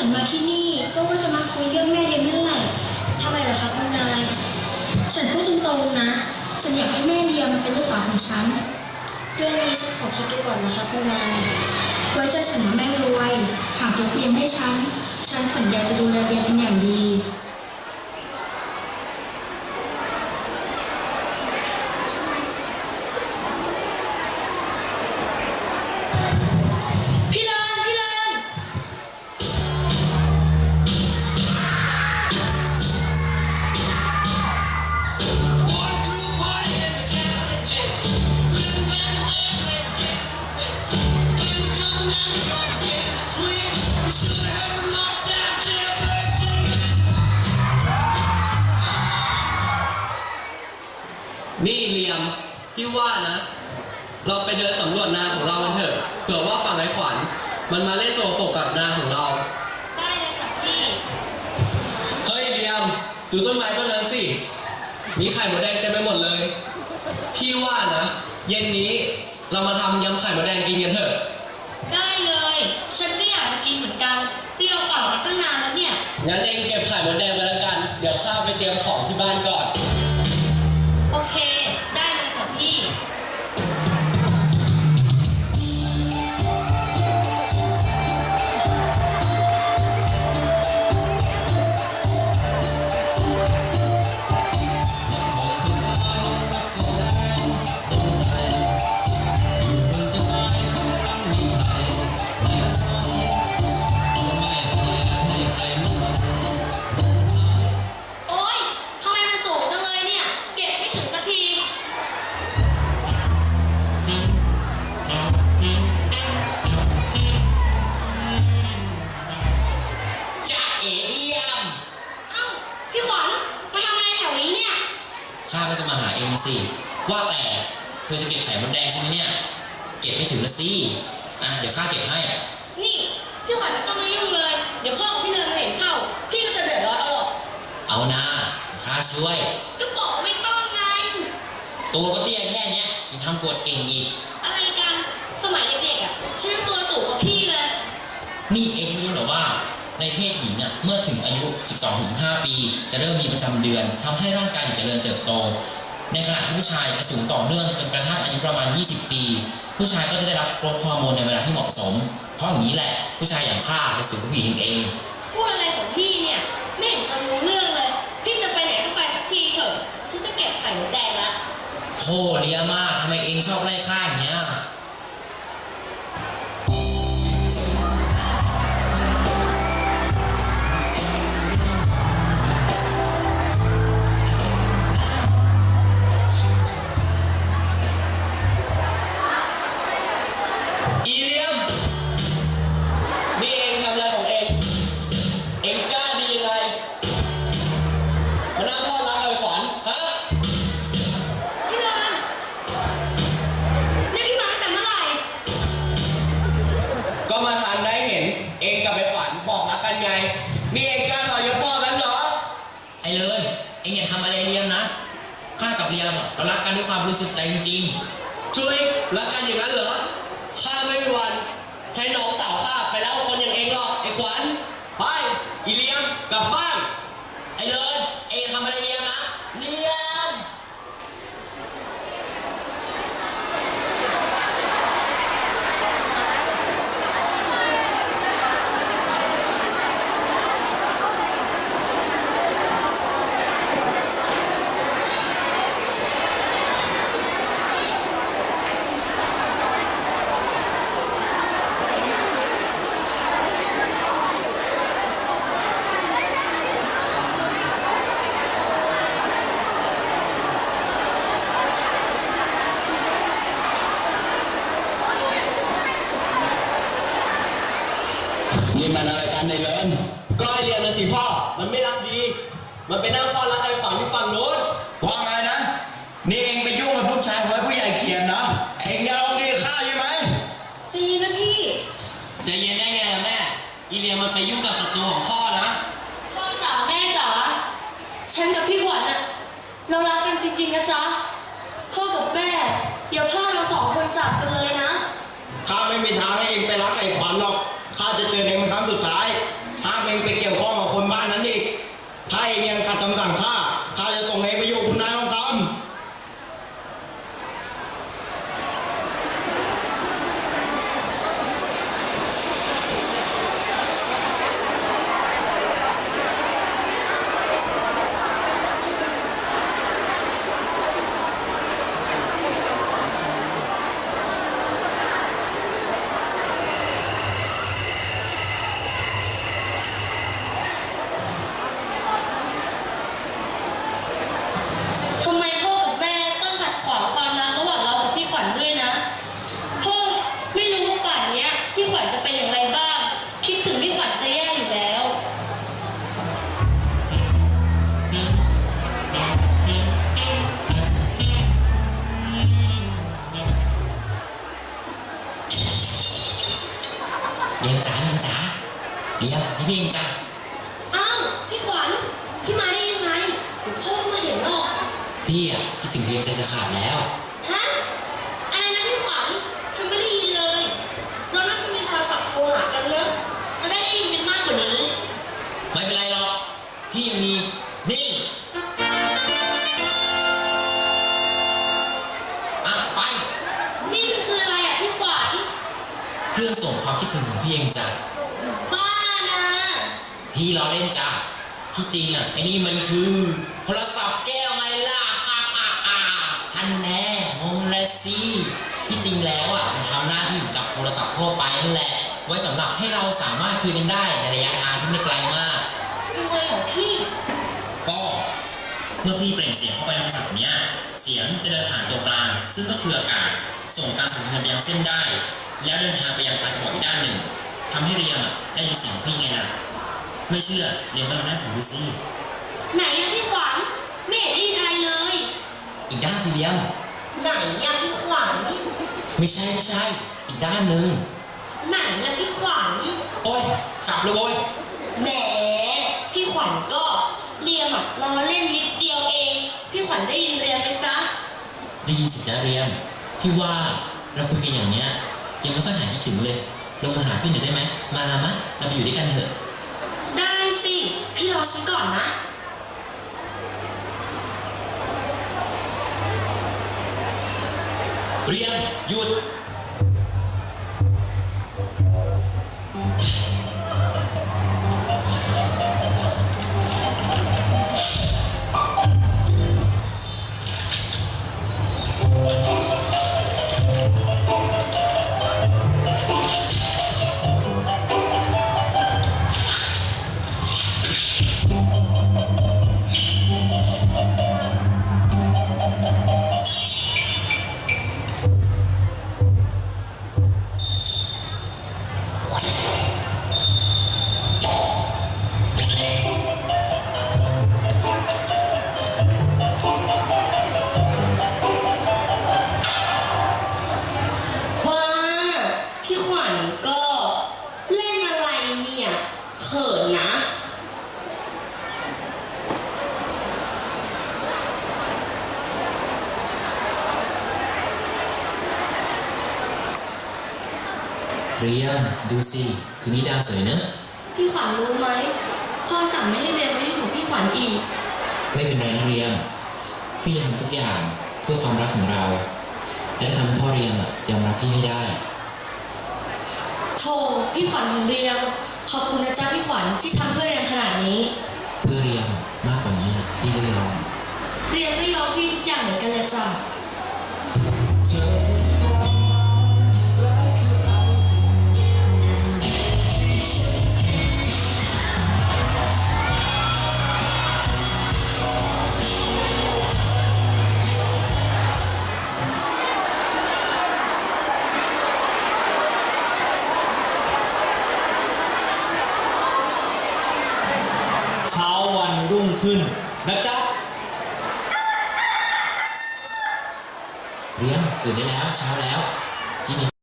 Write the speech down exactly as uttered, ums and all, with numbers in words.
ฉันมาที่นี่ก็ว่าจะมาคุยเรื่องแม่เลี้ยงนั่นแหละทำไมล่ะคะคุณนายฉันพูดตรงๆนะฉันอยากให้แม่เลี้ยงมันเป็นลูกสาวของฉันเรื่องนี้ฉันขอคิดดูก่อนนะคะคุณนายไว้เจอฉันนะแม่รวยหากยกเลี้ยงให้ฉันฉันสัญญาจะดูแลเลี้ยงเป็นอย่างดีนี่เลียมพี่ว่านะเราไปเดินสำรวจนาของเรากันเถอะเผื่อว่าฝั่งไอ้ขวัญมันมาเล่นโซโปกกับนาของเราได้เลยจ้ะพี่เฮ้ยเลียมดูต้นไม้ต้นนั้นสิมีไข่มดแดงเต็มไปหมดเลยพี่ว่านะเย็นนี้เรามาทำยำไข่มดแดงกินกันเถอะได้เลยฉันก็อยากจะกินเหมือนกันเปรี้ยวเปล่ามาตั้งนานแล้วเนี่ยงั้นเองเก็บไข่มดแดงไปแล้วกันเดี๋ยวข้าไปเตรียมของที่บ้านก่อนโอเคได้เลยจ้ะพี่สิว่าแต่เธอจะเก็บไข่มดแดงใช่ไหมเนี่ยเก็บไม่ถึงละสิอ่ะเดี๋ยวข้าเก็บให้นี่พี่ขวัญต้องมายุ่งเลยเดี๋ยวพ่อกับพี่เลินมาเห็นเข้าพี่ก็จะเดือดร้อนเอาหรอกเอานะข้าช่วยก็บอกไม่ต้องไงตัวก็เตี้ยแค่เนี้ยยังทำปวดเก่งอีกอะไรกันสมัยเด็กๆอ่ะฉันตัวสูงกว่าพี่เลยนี่เองไม่รู้หรอว่าในเพศหญิงอ่ะเมื่อถึงอายุ สิบสองถึงสิบห้า ปีจะเริ่มมีประจำเดือนทำให้ร่างกายเจริญเติบโตในขณะที่ผู้ชายจะสูงต่อเนื่องจนกระทั่งอายุประมาณยี่สิบปีผู้ชายก็จะได้รับกรดฮอร์โมนในเวลาที่เหมาะสมเพราะอย่างนี้แหละผู้ชายอย่างข้าจะสูงกว่าผู้หญิงเองพูดอะไรของพี่เนี่ยไม่เห็นจะรู้เรื่องเลยพี่จะไปไหนก็ไปสักทีเถอะฉันจะเก็บไข่มดแดงละโธ่เลียมากทำไมเองชอบไล่ข้าอย่างเงี้ยนี่เองกล้าต่อยศพ่อกันเหรอไอ้เลินเองอย่าทำอะไรเลียมนะข้ากับเลียมเรารักกันด้วยความรู้สึกใจจริงๆช่วยรักกันอย่างนั้นเหรอข้าไม่มีวันให้น้องสาวข้าไปแล้วคนอย่างเองหรอกไอ้ขวัญไปอีเลียมกลับบ้านไอ้เลินเองทำอะไรเลียมนะเลียมนี่มันอะไรกันในเลินก็ไอเรียนนะสิพ่อมันไม่รักดีมันไปนั่งพ่อรักไอ้ฝั่งที่ฝั่งโน้นว่าไงนะนี่เองไปยุ่งกับลูกชายของผู้ใหญ่เขียนนะเองจะลองดีข้าใช่ไหมใจเย็นนะพี่ใจเย็นได้ไงล่ะแม่อีเลียมันไปยุ่งกับศัตรูของพ่อนะพ่อจ๋าแม่จ๋าฉันกับพี่ขวัญอะเรารักกันจริงๆนะจ๊ะพ่อกับแม่อย่าพลาดเราสองคนจากกันเลยนะข้าไม่มีทางให้เองไปรักไอ้ขวัญหรอกข้าจะเตือนเองเป็นครั้งสุดท้ายห้ามมทำไมพ่อกับแม่ต้องขัดขวางความรักระหว่างเรากับพี่ขวัญด้วยนะพ่อไม่รู้ว่าป่านเนี้ยพี่ขวัญจะเป็นอย่างไรบ้าง คิดถึงพี่ขวัญจะแย่อยู่แล้วเรียมจ๋าเรียมจ๋าเรียมนี่พี่เองจ้ะอ้าวพี่ขวัญพี่มาได้ยังไงเดี๋ยวพ่อมาเห็นหรอกพี่อ่ะคิดถึงเรียมใจจะขาดแล้วฮะอะไรนะพี่ขวัญฉันไม่ได้ยินเลยเราน่าจะมีโทรศัพท์โทรหากันเนอะจะได้ได้ยินกันมากกว่านี้ไม่เป็นไรหรอกพี่ยังมีนี่อ่ะไปนี่มันคืออะไรอ่ะพี่ขวัญเครื่องส่งความคิดถึงของพี่เองจ้ะบ้านะพี่ล้อเล่นจ้ะที่จริงอ่ะไอ้นี่มันคือโทรศัพท์แก้วไงล่ะอ่ะอ่ะอ่ะทันแน่งงเลยสิที่จริงแล้วอ่ะมันทำหน้าที่เหมือนกับโทรศัพท์ทั่วไปนั่นแหละ ไว้สำหรับให้เราสามารถคุยกันได้ในระยะทางที่ไม่ไกลมากยังไงของพี่ก็เมื่อพี่เปล่งเสียงเข้าไปในโทรศัพท์เนี้ยเสียงจะเดินผ่านตัวกลางซึ่งก็คืออากาศส่งการสั่นสะเทือนไปยังเส้นได้ แล้วเดินทางไปยังปลายกระบอกอีกด้านหนึ่งทำให้เรียมอ่ะได้ยินเสียงพี่ไงล่ะไม่เชื่อเรียมก็ลองได้ผมดูสิไหนอะพี่ขวัญไม่เห็นได้ยินอะไรเลยอีกด้านทีเดียวไหนอะพี่ขวัญไม่ใช่ไม่ใช่อีกด้านหนึ่งไหนอะพี่ขวัญโอ๊ยกลับเลยโว้ยแหมพี่ขวัญก็เรียมอะล้อเล่นนิดเดียวเอง พี่ขวัญได้ยินเรียมไหมจ๊ะได้ยินสิจ้าเรียมพี่ว่าเราคุยกันอย่างเนี้ยยังไม่ค่อยหายคิดถึงเลยลงมาหาพี่หน่อยได้ไหมมามะเราไปอยู่ด้วยกันเถอะได้สิ พี่รอฉันก่อนนะเรียมหยุดว่าพี่ขวัญก็เล่นอะไรเนี่ยเขินนะเรียมดูสิคืนนี้ดาวสวยเนอะพี่ขวัญรู้ไหมพ่อสั่งไม่ให้เรียนมายุ่งกับพี่ขวัญอีกไม่เป็นไรนะเรียมพี่จะทำทุกอย่างเพื่อความรักของเรา และทำให้พ่อเรียมอะยอมรับพี่ให้ได้โธ่พี่ขวัญของเรียมขอบคุณนะจ๊ะพี่ขวัญที่ทำเพื่อเรียมขนาดนี้เพื่อเรียมมากกว่านี้พี่ก็ยอมเรียมก็ยอมพี่ทุกอย่างเหมือนกันเลยจ้ะเช้าวันรุ่งขึ้นนะจ๊ะเรียมตื่นได้แล้วเช้าแล้วพี่มี